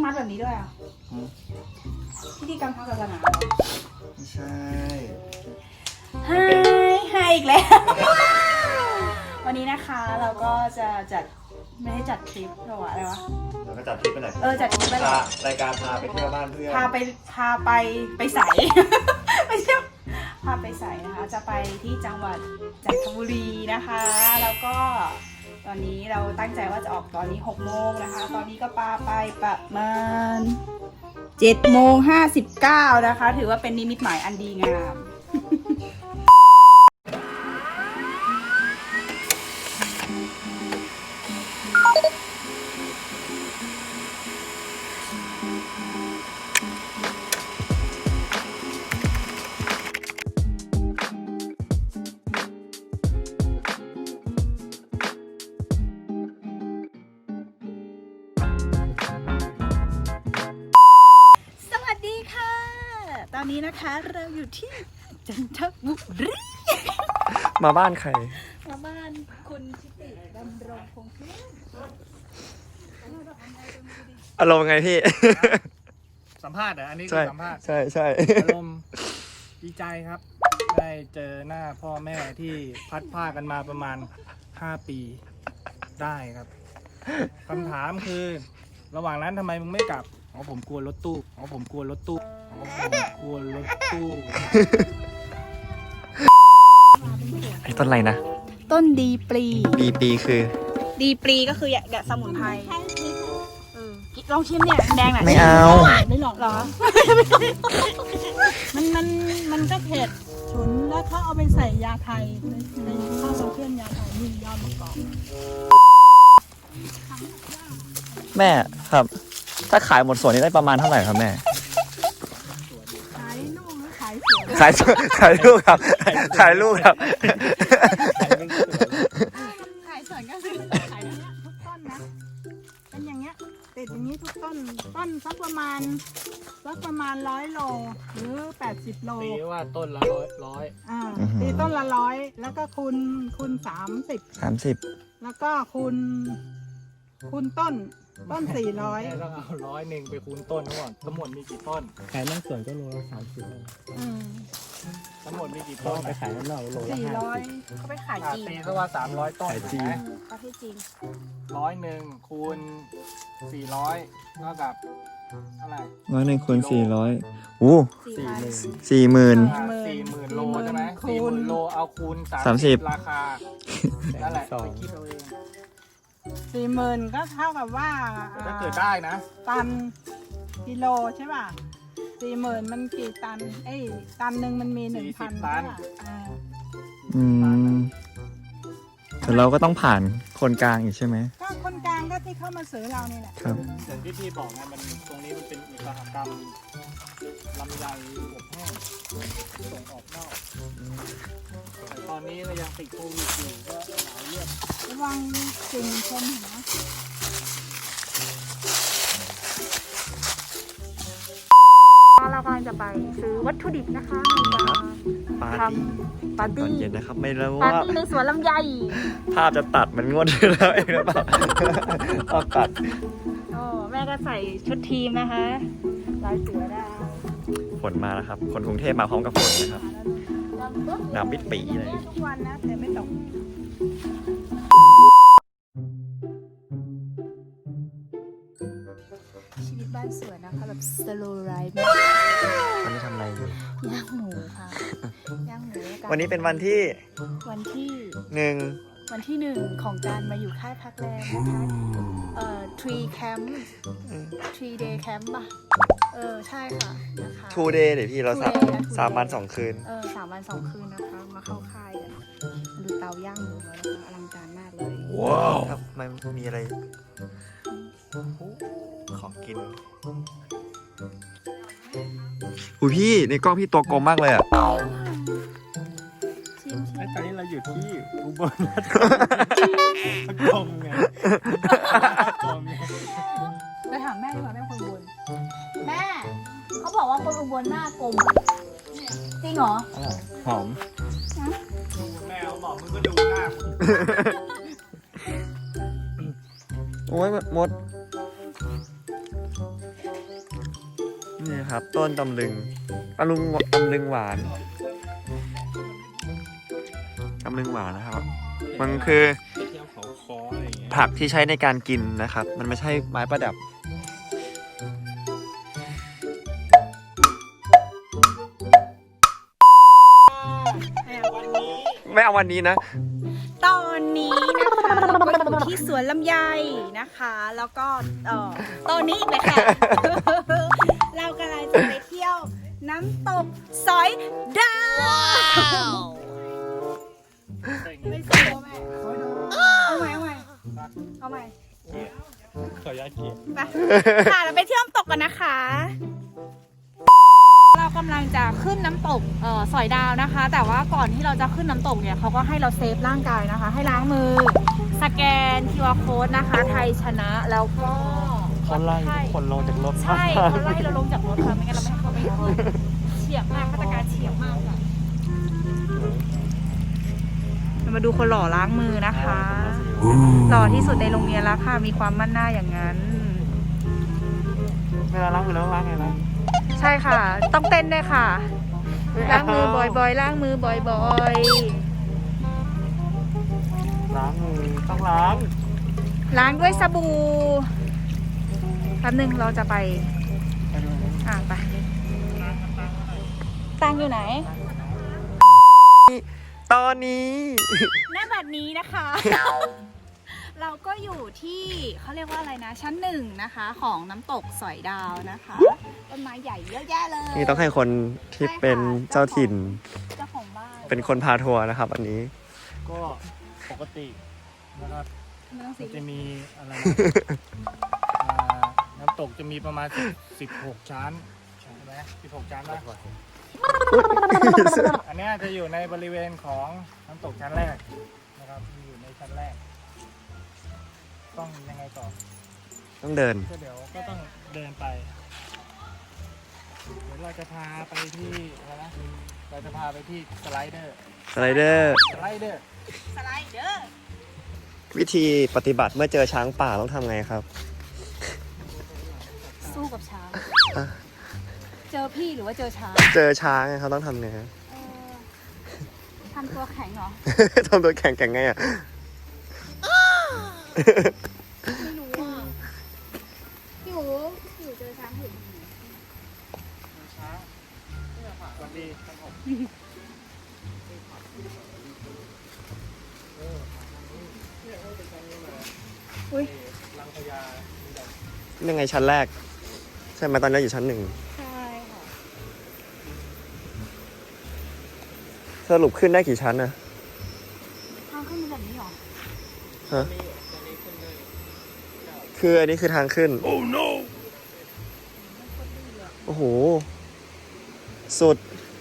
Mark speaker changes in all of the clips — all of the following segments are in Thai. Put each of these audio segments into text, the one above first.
Speaker 1: มัดแบบนี้ด้วยอ่ะพิธีกรรมทางศาสนา
Speaker 2: ไม่ใช่
Speaker 1: ให้อีกแล้ว วันนี้นะคะเราก็จะจัดไม่ให้จัดทริปหรออะไรวะ
Speaker 2: เราก็จัดทริปไปไหน
Speaker 1: จัดทริปไปไหน
Speaker 2: รายการพาไปเที่ยวบ้านเพื่อน
Speaker 1: พาไปใส ไม่ใช่พาไปใสนะคะจะไปที่จังหวัดจันทบุรีนะคะแล้วก็ตอนนี้เราตั้งใจว่าจะออกตอนนี้6 โมงนะคะตอนนี้ก็ไปประมาณ7:59นะคะถือว่าเป็นนิมิตหมายอันดีงามตอนนี้นะคะเราอยู่ที่จันทบุรี
Speaker 2: มาบ้านใคร
Speaker 1: มาบ้านคุณชิติดำรงคงเพื่อน
Speaker 2: อารมณ์ไงพี่
Speaker 3: สัมภาษณ์เหรออันนี้คือสัมภาษณ์
Speaker 2: ใช่
Speaker 3: อารมณ์ดีใจครับได้เจอหน้าพ่อแม่ที่พัดพากันมาประมาณ5 ปีได้ครับคำถามคือระหว่างนั้นทำไมมึงไม่กลับผมกลัวรถตู้ผมกลัวรถตู้
Speaker 2: ไอ้ต้นอะไรนะ
Speaker 1: ต้นดีปลี
Speaker 2: คือ
Speaker 1: ดีปลีก็คือแกะสมุนไพรลองชิมเนี่ยแดงหน่อย
Speaker 2: ไม่เอา
Speaker 1: ไม่หรอกเหรอ
Speaker 4: มันก็เผ็ดฉุนแล้วเขาเอาไปใส่ยาไทยในข้าวเครื่องยาไทยนี่ยอดมะกอก
Speaker 2: แม่ครับถ้าขายหมดสวนนี้ได้ประมาณเท่าไหร่ครับแม่
Speaker 4: ขายลูกหรือขายสวน
Speaker 2: ขายลูกครับขายลูกครับ
Speaker 4: ขายสวนก็คือขายอย่างเงี้ยทุกต้นนะเป็นอย่างเงี้ยติดอย่างนี้ทุกต้นสักประมาณ100 โลหรือ80 โล
Speaker 3: ตีว่าต้นละร้อย
Speaker 4: ตีต้นละ100แล้วก็คูณ30แล้วก็คูณต้น400
Speaker 3: ต้องเอา100ไปคูณต้นทั้งหมดมีกี่ต้นขายหน้าสวนก็โลละ30ทั้งหมดมีกี่ต้นไปขายข้างนอกโลละ
Speaker 1: 400เขาไปขายจีน
Speaker 3: ตีก็ว่า300 ต้น
Speaker 2: จีน
Speaker 1: ประเทศจีน
Speaker 3: 100คูณ400เท่ากับเท่าไหร่
Speaker 2: 100คูณ400โอ้40,000
Speaker 3: โลใช่ไหม40,000 โลเอาคูณ30ราคานั่นแหละไปคิดเอาเอง
Speaker 4: 40,000ก็เท่ากับว่า
Speaker 3: ถ้าเกิดได้นะ
Speaker 4: ตันกิโลใช่ป่ะ40,000มันกี่ตันตันหนึ่งมันมี 1,000
Speaker 3: ตัน
Speaker 2: แต่เราก็ต้องผ่านคนกลางอีกใช่ไหม
Speaker 4: ก็คนกลางก็ที่เข้ามาซื้อเรานี่แหละ
Speaker 2: ครับ
Speaker 3: อย่างที่พี่บอกไงมันตรงนี้มันเป็นอุตสาหกรรมลำไยอบแห้งส่งออกนอกแต่ตอนนี้ก็ยังติดโควิดอยู่ก็หลายเรื่อง
Speaker 4: ระวังสิ่งชนนะ
Speaker 1: เรากำลังจะไปซื้อวัตถุดิบนะคะ
Speaker 2: ทำปาร์ตี้ตอนเย็นนะครับไม่รู้ว่า
Speaker 1: ปาร์ตี้ในสวนลำไย
Speaker 2: ภาพจะตัดมันงดแล้วเองหรือเปล่าต้องตัด
Speaker 1: แม่ก็ใส่ชุดทีมนะคะลายเสือได้
Speaker 2: ฝนมาแล้วครับคนกรุงเทพมาพร้อมกับฝนนะครับน้ำมิดปีเลย
Speaker 4: ทุกวันนะแต่ไม่ตก
Speaker 1: ชีวิตบ้านสวนนะคะแบบ slow life
Speaker 2: วันนี้ทำอะไรอยู่
Speaker 1: ย่างหมูค่ะย่างหมู
Speaker 2: วันนี้เป็นวันที่
Speaker 1: 1ของการมาอยู่ค่ายพักแรมนะคะ3 camp 3 day camp ป่ะใช่ค่ะนะคะ
Speaker 2: 2 day เดี๋ยวพี่เรา3 วัน 2 คืน
Speaker 1: 3 วัน 2 คืนนะคะมาเข้าค่ายกันดูเตาย่างหมูแล้วนะคะอลังการมากเลย
Speaker 2: ว้าวครับมันมีอะไรของกินพี่ในกล้องพี่ตัวกลมมากเลยอ่ะ
Speaker 3: ตอนนี้เราอยู่ที่อุบลราชธานีไง
Speaker 1: ไปถามแม่ดีกว่าแม่คนอุบลแม่เขาบอกว่าคนอุบลหน้ากลมจริงเหรอ
Speaker 2: หอม
Speaker 3: แม่บอกมึงก็ดูหน้า
Speaker 2: โอ้ยมดนี่ครับ ต้นตำลึงตำลึงหวานตำลึงหวานนะครับ มันคือ
Speaker 3: ไปเที่ยวเขาคออะไรอย่างเงี้ย
Speaker 2: ผักที่ใช้ในการกินนะครับ มันไม่ใช่ไม้ประดับ ไม่เอาวันนี้นะ
Speaker 1: ตอนนี้นะคะเราก็อยู่ที่สวนลำไยนะคะ แล้วก็ตอนนี้อีกเลยค่ะ เรากำลังจะไปเที่ยวน้ำตกสอยดาวไม่ใช่แม่เอาใหม่เอาใหม่
Speaker 3: ขออนุญาตเกียร
Speaker 1: ไปค่ะเราไปเที่ยวน้ำตกกันนะคะ เรากำลังจะขึ้นน้ำตกสอยดาวนะคะ แต่ว่าก่อนที่เราจะขึ้นน้ำตกเนี่ยเขาก็ให้เราเซฟร่างกายนะคะ ให้ล้างมือสแกน QR code นะคะ ไทยชนะแล้วก็
Speaker 2: เขาไล่ทุกคนลงจากรถ
Speaker 1: ใช่เขาไล่เราลงจากรถค่ะไม่งั้นเราไม่ให้เขาไปขึ้นเฉียบมากมาตรการเฉียบมากค่ะเรามาดูคนหล่อล้างมือนะคะ หล่อที่สุดในโรงเรียนแล้วค่ะ มีความมั่นหน้าอย่างนั้น
Speaker 2: เวลาล้างมือแล้วล้างไงนะ
Speaker 1: ใช่ค่ะ ต้องเต้นด้วยค่ะ ล้างมือบ่อยๆ ล้างมือบ่อย
Speaker 2: ล้างมือต้องล้าง
Speaker 1: ๆ ล้างด้วยสบู่แป๊บนึงเราจะไปไปตังอยู่ไหน
Speaker 2: ตอนนี้
Speaker 1: หน้าบัดนี้นะคะ เราก็อยู่ที่เขาเรียกว่าอะไรนะ ชั้นหนึ่งนะคะของน้ำตกสอยดาวนะคะต้นไม้ใหญ่เยอะแยะเลย
Speaker 2: นี่ต้องให้คนที่เป็นเจ้าถิ่น
Speaker 1: เจ้าของบ้าน
Speaker 2: เป็นคนพาทัวร์นะครับ อันนี้
Speaker 3: ก็ปกตินะครับ
Speaker 1: ไม่ต้อง
Speaker 3: มั
Speaker 1: สี
Speaker 3: นจะมีอะไรนะน้ำตกจะมีประมาณ16 ชั้นใช่ไหม16 ชั้นนะอันเนี้ยจะอยู่ในบริเวณของน้ำตกชั้นแรกนะครับอยู่ในชั้นแรก ต้องยังไงต่อ
Speaker 2: ต้องเดิน
Speaker 3: ก็เดี๋ยวก็ต้องเดินไป เดี๋ยวเราจะพาไปที่อะไรนะเราจะพาไปที่สไลเดอร์
Speaker 2: สไลเดอร์
Speaker 3: สไลเดอร์
Speaker 1: สไลเดอร์
Speaker 2: วิธีปฏิบัติเมื่อเจอช้างป่าต้องทำไงครับ
Speaker 1: สู้กับช้าง
Speaker 2: อ่ะ
Speaker 1: เจอพี่หรือว่าเจอช้าง
Speaker 2: เจอช้างเขาต้องทำไง
Speaker 1: ทำตัวแข็งเหรอ
Speaker 2: ทำตัวแข็งไงอ่ะ
Speaker 1: ไม่รู้อ่ะพี่หูเจอช้างเห็น
Speaker 3: ช้างสวัสดีครับผม
Speaker 1: อุ้ย
Speaker 3: ลังพญา
Speaker 2: ยังไงชั้นแรก ใช่ไหมตอนนี้อยู่ชั้นหนึ่ง
Speaker 1: ใช่ค่ะ
Speaker 2: สรุปขึ้นได้กี่ชั้นนะ
Speaker 1: ทางขึ้นเป็นแบบนี้เหรอ
Speaker 2: ฮะคืออันนี้คือทางขึ้น โอ้โห สุด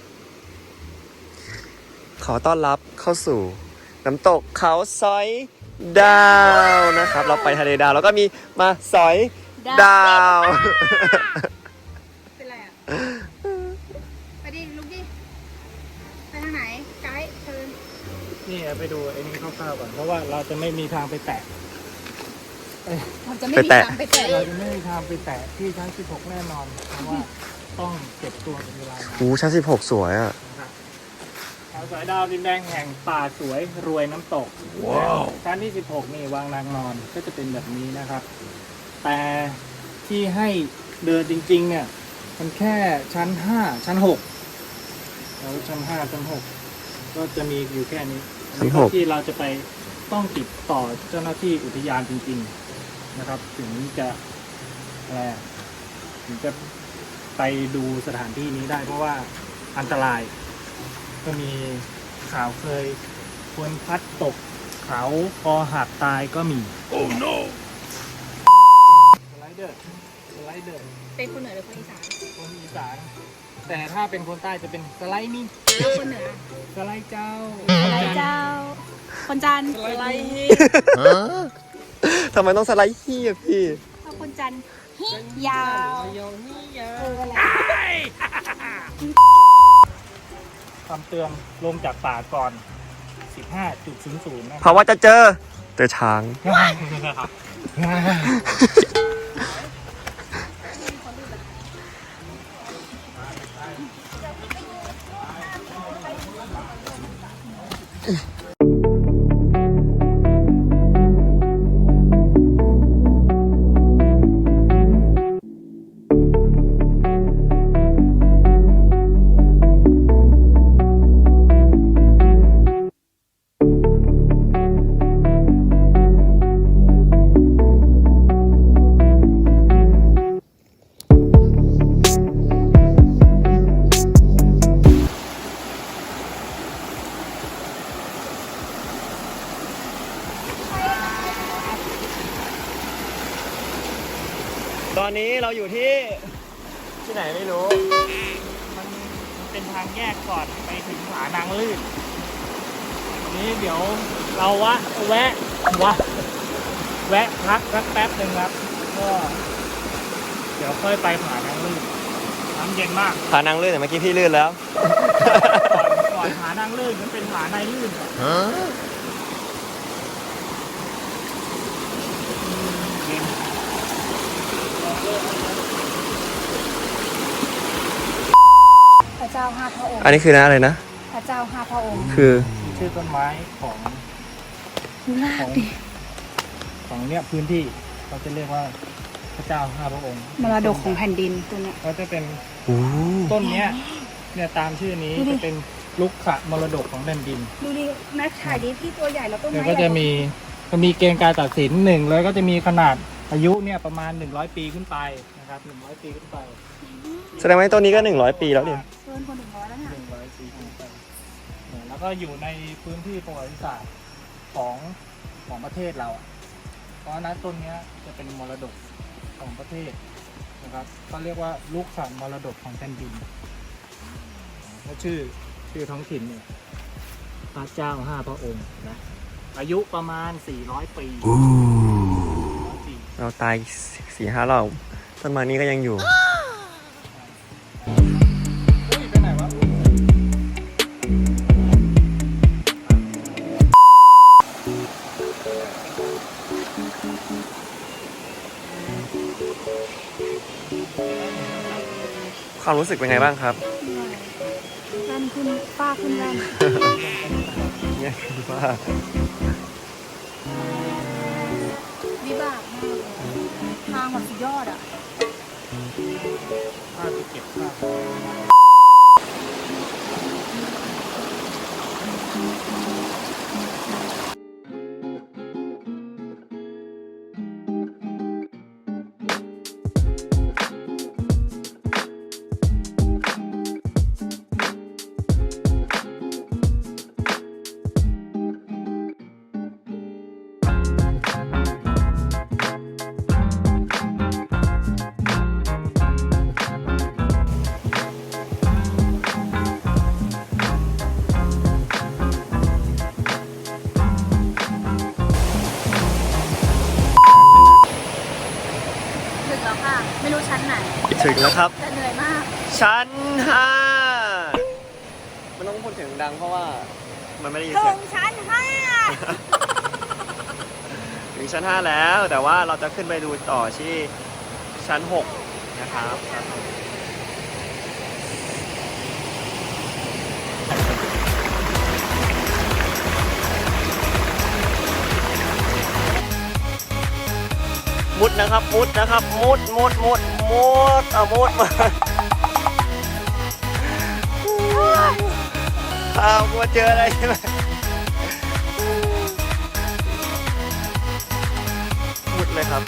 Speaker 2: ขอต้อนรับเข้าสู่น้ำตกเขาสอยดาวนะครับ เราไปทะเลดาวแล้วก็มีมาสอยดาว
Speaker 1: เป็นไรอ่ะ ไปดิลุกดิ ไปทางไหน ไกด์เชิญ
Speaker 3: นี่ไปดูไอ้นี้คร่าวๆก่อนเพราะว่าเราจะไม่มีทางไปแตะ
Speaker 1: ผมจะไม่มี
Speaker 2: ไปแตะ
Speaker 1: ทางไปแตะ
Speaker 3: เราจะไม่มีทางไปแตะที่ชั้น16แน่นอนเพราะว่าต้องเก็บตัวเป็นเวลานาน
Speaker 2: โอ้ชั้น16 สวยอ่ะ
Speaker 3: นะครับเขาสอยดาวดินแดงแห่งป่าสวยรวยน้ำตกชั้นที่16นี่วางนางนอนก็จะเป็นแบบนี้นะครับ แต่ที่ให้เดินจริงๆเนี่ยมันแค่ชั้น5ชั้น6แล้วชั้น5ชั้น6ก็จะมีอยู่แค่นี้
Speaker 2: ชั้น6
Speaker 3: ที่เราจะไปต้องติดต่อเจ้าหน้าที่อุทยานจริงๆนะครับ ถึงจะอะไรอะถึงจะไปดูสถานที่นี้ได้เพราะว่าอันตราย ก็มีข่าวเคยคนพลัดตกเขาคอหักตายก็มี no สไลเดอร์
Speaker 1: เป็นคนเหนือหรือคนอีสาน
Speaker 3: คนอีสานแต่ถ้าเป็นคนใต้จะเป็นสไลด์นี่
Speaker 1: แล้วคนเหนือ
Speaker 3: สไลด์เจ้า
Speaker 1: อะไรเจ้า คนจันทร์
Speaker 3: สไลด์
Speaker 2: ทำไมต้องสไลด์ขี้อ่ะพี่
Speaker 1: เอาคนจันทร์ฮิยาว อะไร
Speaker 3: คำเตือนลงจากป่าก่อน 15.00 นะ
Speaker 2: เพราะว่าจะเจอช้าง
Speaker 3: เ
Speaker 2: ที่ไหนไม่รู้
Speaker 3: มันเป็นทางแยกก่อนไปถึงผานางลื่นนี้เดี๋ยวเราแวะพักสักแป๊บหนึ่งครับก็เดี๋ยวค่อยไปผานางลื่นน้ำเย็นมาก
Speaker 2: ผานางลื่นแต่เมื่อกี้พี่ลื่นแล้ว
Speaker 3: ก่อนผานางลื่นมันเป็นผาในลื่นก่อนเย็น
Speaker 1: พระเจ้าห้าพระองค์
Speaker 2: อันนี้คือนะอะไรนะ
Speaker 1: พระเจ้าห้าพระองค์
Speaker 2: คือ
Speaker 3: ชื่อต้นไม้ของ
Speaker 1: ลา
Speaker 3: ข
Speaker 1: ก
Speaker 3: อง
Speaker 1: ดิ
Speaker 3: ของเนี่ยพื้นที่เขาจะเรียกว่าพระเจ้าห้าพระองค์
Speaker 1: มรดกของแผ่นดินตัวเนี้ย
Speaker 3: เขาจะเป็น
Speaker 2: โอ้
Speaker 3: ต้นเนี้ยเนี่ยตามชื่อนี้
Speaker 1: ดูดิ
Speaker 3: จะเป็นลุกขะมรดกของแผ่นดิน
Speaker 1: ดูดิแม็กถ่ายดิพี่ตัวใหญ่แล้วต้น
Speaker 3: เดี๋ยว
Speaker 1: ไม้
Speaker 3: ก็จะมีเกณฑ์การตัดสินหนึ่งแล้วก็จะมีขนาดอายุเนี่ยประมาณ100 ปีขึ้นไปนะครับ100 ปีขึ้นไป
Speaker 2: แสดงว่าต้นนี้ก็100 ปีแล้วดิ
Speaker 1: เกินคน100แล้วเนี่ย
Speaker 3: 100 ปีขึ้นไปเนี่ยแล้วก็อยู่ในพื้นที่ประวัติศาสตร์ของประเทศเราอะเพราะฉะนั้นต้นเนี้ยจะเป็นมรดกของประเทศนะครับก็เรียกว่าลูกขามรดกของแผ่นดินและชื่อท้องถิ่นเนี่ยพระเจ้าห้าพระองค์นะอายุประมาณ400 ปี400 ปี
Speaker 2: เราตาย4-5 รอบต้นไม้นี้ก็ยังอยู่
Speaker 3: อุ้ยไปไหนวะ
Speaker 2: ความรู้สึกเป็นไงบ้างครับ
Speaker 1: แว่นขึ้นป้าขึ้นแว่น
Speaker 2: เนี่ยคือว่า
Speaker 1: วิบากมากเลยทางแบบสุดยอดอ่ะ
Speaker 3: ข้าจะเก็บข้าว
Speaker 1: ถึงแล้วค่ะ ไม่รู้ชั้นไหน
Speaker 2: ถึงแล้วครับ
Speaker 1: แต่เหนื่อยมาก
Speaker 2: ชั้น 5มันต้องพูดเสียงดังเพราะว่ามันไม่ได้ยิน
Speaker 1: ถึ
Speaker 2: เสีย
Speaker 1: ง
Speaker 2: ง
Speaker 1: ชั้นห้า
Speaker 2: ถึงชั้น 5 แล้ว แต่ว่าเราจะขึ้นไปดูต่อที่ชั้น 6 นะครับชั้นหกมุดนะครับ มุดนะครับ มุดเอามุดมาอ้าวกลัวเจออะไรใช่ไหมมุดเลยครับ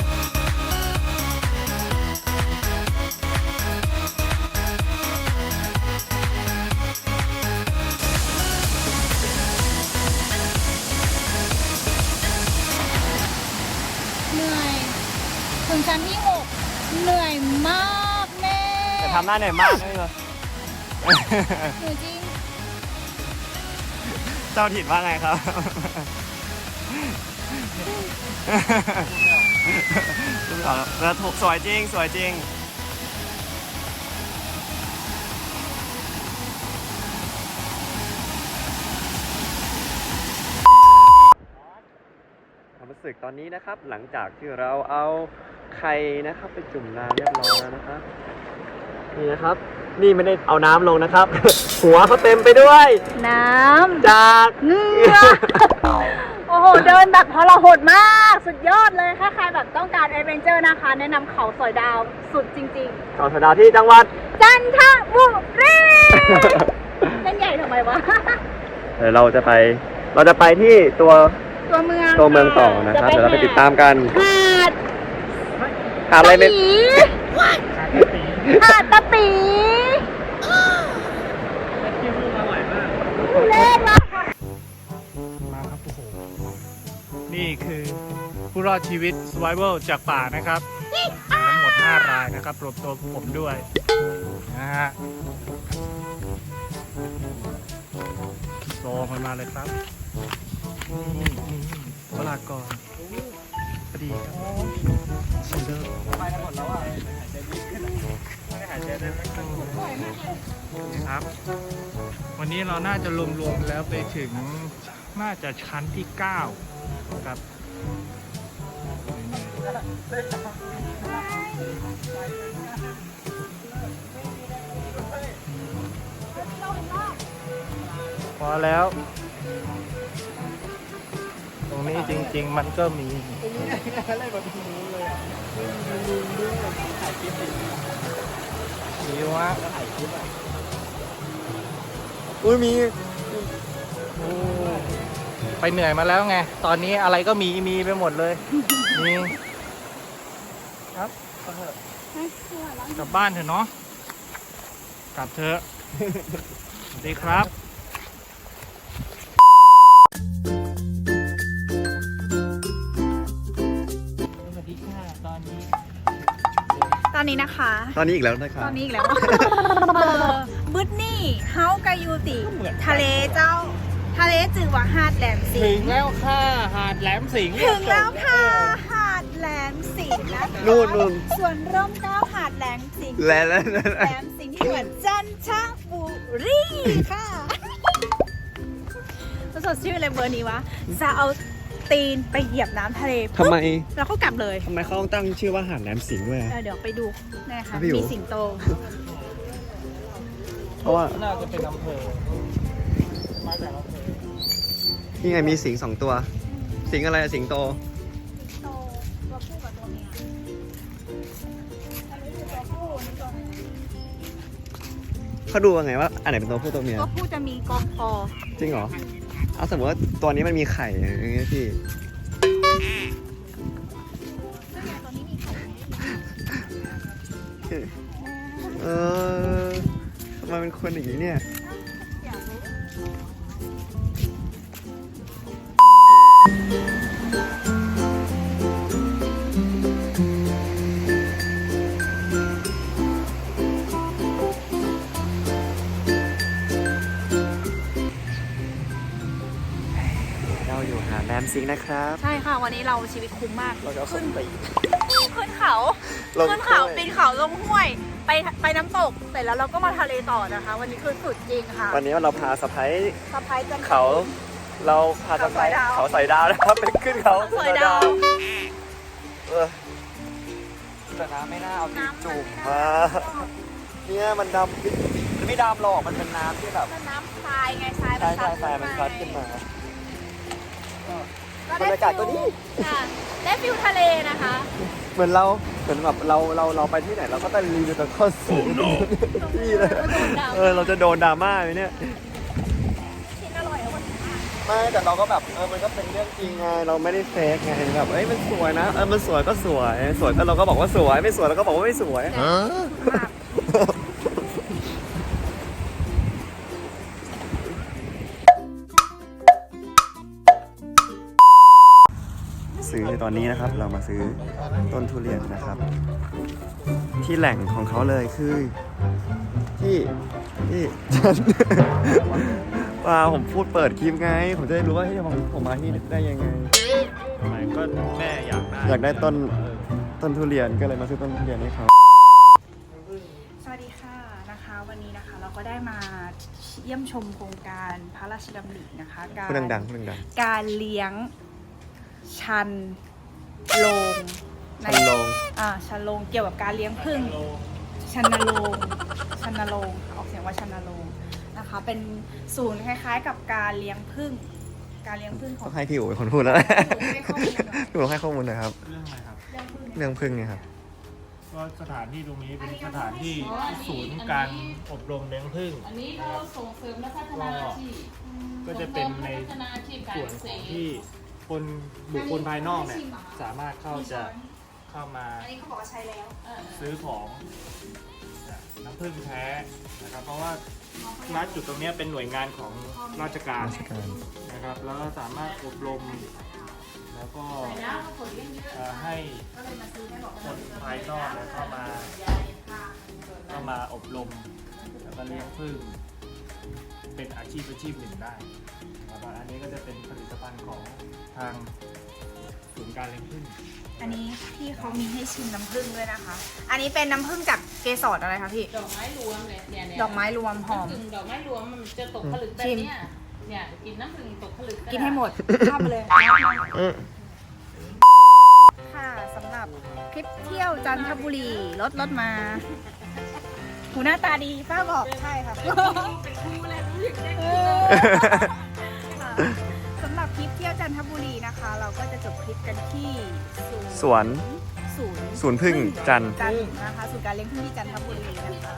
Speaker 1: เหนื่อย ถึงชั้นที่ 6 เหนื่อยมากแม่
Speaker 2: แต่ทำหน้าเหนื่อยมากเลยเหรอ
Speaker 1: เหนื่อยจริง
Speaker 2: เจ้าถิ่นว่าไงครับ ดูต่อแล้วถูกสวยจริง สวยจริง ความรู้สึกตอนนี้นะครับ หลังจากที่เราเอาไข่นะครับไปจุ่มน้ำเรียบร้อยแล้วนะครับ นี่นะครับ นี่ไม่ได้เอาน้ำลงนะครับ หัวเขาเต็มไปด้วย
Speaker 1: น้ำ
Speaker 2: จาก
Speaker 1: เหงื่อ โอ้โห เดินแบบทรหดมาก สุดยอดเลย ถ้าใครแบบต้องการแอดเวนเจอร์นะคะ แนะนำเขาสอยดาวสุดจริง
Speaker 2: ก่อนสดาที่จังหวัด
Speaker 1: ๆ จันทบุรี เล่นใหญ่ทำไมวะ
Speaker 2: เดี๋ยวเราจะไปที่ตัว
Speaker 1: ตัวเมือง
Speaker 2: ต่อนะครับ เดี๋ยวเราไปติดตามกัน
Speaker 1: หาด
Speaker 2: หาอะไรไม่
Speaker 1: ตะปี
Speaker 3: ขาดปี
Speaker 1: หาดตะปี
Speaker 3: ที่พูดอร่อยมาก
Speaker 1: เล่นมาก
Speaker 3: มาครับโอ้โหนี่คือผู้รอดชีวิต survival จากป่านะครับทั้งหมด 5 รายนะครับรวมตัวผมด้วยนะฮะโซมันมาเลยครับวลากรพอดีครับชิลเลอร์
Speaker 2: ไปกันหมดแล้วอ่ะหายใจดีขึ้นไม่ได้หายใจได้ไม่ค่อยถูก
Speaker 3: ครับ วันนี้เราน่าจะรวมๆแล้วไปถึงน่าจะชั้นที่ 9 ครับ พอแล้ว ตรงนี้จริงๆมันก็มี
Speaker 2: อะไรแบบนี้เลยอ่ะถ่ายคลิป
Speaker 3: มีวะ
Speaker 2: ถ่ายคลิปอ่ะอุ้ยมี
Speaker 3: ไปเหนื่อยมาแล้วไง ตอนนี้อะไรก็มีไปหมดเลย มีครับกลับบ้านเถอะเนาะ กลับเถอะ สวัสดีครับ สวัสดีค่ะตอนนี้
Speaker 1: ตอนนี้นะคะ
Speaker 2: ตอนนี้อีกแล้วนะครับ
Speaker 1: ตอนนี้อีกแล้วบึดนี่เฮากายูติทะเลเจ้า ทะเลจือว่าหาดแหลมสิ
Speaker 3: ถึ
Speaker 1: ง
Speaker 3: งแล้วค่ะ หาดแหลมสิงห์
Speaker 1: ถึงแล้วค่ะ หาดแหลมสิงห์นะคะ
Speaker 2: นู่น
Speaker 1: ส่วนร่มเกล้าหาดแหลมสิงห์
Speaker 2: แล้ว
Speaker 1: แหลมสิงห์ที่เหมือนจันทบุรีค่ะสดชื่ออะไรเบอร์นี้วะ จะเอาตีนไปเหยียบน้ำทะเล
Speaker 2: ทำไม
Speaker 1: ปุ๊บแล้วก็กลับเลย
Speaker 2: ทำไมเขาต้องตั้งชื่อว่าหาดแหลมสิงห์ด้วย
Speaker 1: เดี๋ยวไปดูนะคะ
Speaker 2: พี่อยู่
Speaker 1: มีสิงโต
Speaker 2: เพราะว่า
Speaker 3: น่าจะเป็นอำเภอ มาจากอำเภอ
Speaker 2: นี่ไงมีสิงห์2 ตัว สิงห์อะไรอะสิงโต
Speaker 1: โตตัวผู้กับตัวเมียอันนี้คือตัวผู้อันนี้ตัวเมีย
Speaker 2: เขาดูยังไงว่าอันไหนเป็นตัวผู้ตัวเมีย
Speaker 1: ตัวผู้จะมีกอคอ
Speaker 2: จริงเหรอ เอาสมมติว่าตัวนี้มันมีไข่อย่างเงี้ยพี่
Speaker 1: ซึ่งเนี่ยตัวนี้มีไข่
Speaker 2: ทำไมเป็นคนอย่างนี้เนี่ย
Speaker 1: อยากรู้
Speaker 2: เราอยู่หาดแหลมสิงห์นะครับ
Speaker 1: ใช่ค่ะ วันนี้เราชีวิตคุ้มมาก
Speaker 2: เราจะเอาส้นตีน
Speaker 1: ขึ้นเขา
Speaker 2: ลง
Speaker 1: ขึ้นเขา
Speaker 2: ห้วย
Speaker 1: ปีนเขาลงห้วย ไปน้ำตก เสร็จแล้วเราก็มาทะเลต่อนะคะ วันนี้คือสุดจริงค่ะ
Speaker 2: วันนี้เราพาสะพ้าย
Speaker 1: สะพายจันทร์
Speaker 2: เขาเราพาสะพ้าย
Speaker 1: เขาสอยดาว
Speaker 2: เขาใส่ดาวนะครับไปขึ้นเขา
Speaker 1: เขาสอยดาว
Speaker 2: เออแต่น้ำไม่น่าเอาตีนจุ่มมาเนี่ยมันดำมันไม่ดำหรอกมันเป็นน้ำที่แบบ
Speaker 1: มันน้ำทรายไงทราย
Speaker 2: ใช่
Speaker 1: ซัด
Speaker 2: ใช่มันซัดขึ้นมา
Speaker 1: ก็
Speaker 2: บรรยากาศก็ดี
Speaker 1: ค่ะได้ฟิลทะเลนะคะ
Speaker 2: เหมือนแบบเราไปที่ไหนเราก็ต้องรีวิวแต่ข้อเสียนี่เลยเราจะโดนดราม่าไหมเนี่ย
Speaker 1: กินอร่อยแล้ววันนี้
Speaker 2: ไม่แต่เราก็แบบมันก็เป็นเรื่องจริงไงเราไม่ได้เฟกไงแบบมันสวยนะมันสวยก็สวยสวยก็เราก็บอกว่าสวยไม่สวยเราก็บอกว่าไม่สวย ซื้อตอนนี้นะครับเรามาซื้อต้นทุเรียนนะครับ ที่แหล่งของเขาเลยคือที่ฉัน ว่าผมพูดเปิดคลิปไงผมจะได้รู้ว่าที่ผมมาที่ได้ยังไง
Speaker 3: ทำไมก็แม่อยากได้
Speaker 2: อยากได้ต้นทุเรียนก็เลยมาซื้อต้นทุเรียนให้เขา
Speaker 1: สวัสดีค่ะนะคะ วันนี้นะคะเราก็ได้มาเยี่ยมชมโครงการพระราชดำรินะคะการ
Speaker 2: พูดดัง
Speaker 1: การเลี้ยงชันโลง
Speaker 2: ชันโลง
Speaker 1: ชันโลงเกี่ยวกับการเลี้ยงผึ้งชันนโลงชันนโลงออกเสียงว่าชันนโลงนะคะ เป็นศูนย์คล้ายๆ กับการเลี้ยงผึ้งขอ
Speaker 2: ต้
Speaker 1: ง
Speaker 2: องให้พี่อู๋เป็นคนพูดแล้ว
Speaker 1: พี่อู๋ให้ข้อมูลหน่อย
Speaker 2: พี่อู๋ให้ข้อมูลหน่อยครับ
Speaker 3: เรื่องอะไรครับ
Speaker 1: เลี้ยงผึ้ง
Speaker 2: เรื่องพึ่งไงครับ
Speaker 3: ก็สถานที่ตรงนี้เป็นสถานที่ศูนย์การอบรมเลี้ยงผึ้ง
Speaker 5: อันนี้เราส่งเสริมและพัฒนาอาชีพ
Speaker 3: ก็จะเป็นใน
Speaker 5: พัฒนาอาชีพการ
Speaker 3: ส่วน
Speaker 5: เกษ
Speaker 3: ของ
Speaker 5: ตร
Speaker 3: ที่คนบุคคลภายนอกเนี่ยสามารถเข้ามา
Speaker 1: อันนี้เขาบอกว่าใช้แล้ว
Speaker 3: ซื้อของน้ำผึ้งแท้นะครับ เพราะว่าณจุดตรงเนี้ยเป็นหน่วยงานของราชการ
Speaker 2: ราชการ
Speaker 3: นะครับ แล้วก็สามารถอบรมแล้วก็
Speaker 5: แล้วก็ผลเลี้ยงเยอะ
Speaker 3: ให้
Speaker 5: ก็เลยมาซื้อให้บอก
Speaker 3: คนภายนอกเนี่ยเข้ามาอบรมแล้วก็เลี้ยงผึ้งเป็นอาชีพหนึ่งได้แล้วก็อันนี้ก็จะเป็นผลิตภัณฑ์ของทางศูนย์การเลี้ยงผึ้ง
Speaker 1: อันนี้พี่เขามีให้ชิมน้ำผึ้งด้วยนะคะ อันนี้เป็นน้ำผึ้งจากเกสรอะไรคะพี่
Speaker 5: ดอกไม้รวมเลยเนี่ย
Speaker 1: ดอกไม้รวมหอม
Speaker 5: น้ำผึ้งดอกไม้รวมมันจะตกผลึกแบบเนี้ยเนี่ยกินน้ำผึ้งตกผลึก
Speaker 1: กินให้หมดข้ามไปเลย ค่ะสำหรับคลิปเที่ยวจันทบุรีรถมาหูหน้าตาดีป้าบอกใช่ค่ะ
Speaker 5: เป็นครูเลยรู้สึกได้
Speaker 1: ค่ะสำหรับคลิปเที่ยวจันทบุรีนะคะ เราก็จะจบคลิปกันที่
Speaker 2: สวน
Speaker 1: ศูนย์
Speaker 2: พึ่งจันทร์
Speaker 1: จันทร์นะคะศูนย์การเลี้ยงผึ้งที่จันทบุรีนะคะ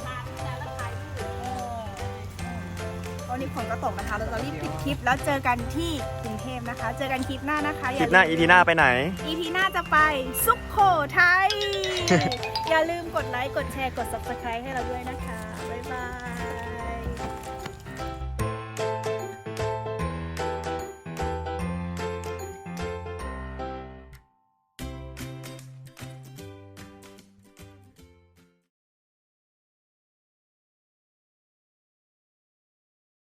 Speaker 1: วันนี้ฝนก็ตกนะคะ เราจะรีบปิดคลิปแล้วเจอกันที่กรุงเทพนะคะ เจอกันคลิปหน้านะคะ
Speaker 2: คลิปหน้า EP หน้าไปไหน
Speaker 1: EP หน้าจะไปสุขโขทัย อย่าลืมกดไลค์ กดแชร์ กด subscribe ให้เราด้วยนะคะ บ๊ายบาย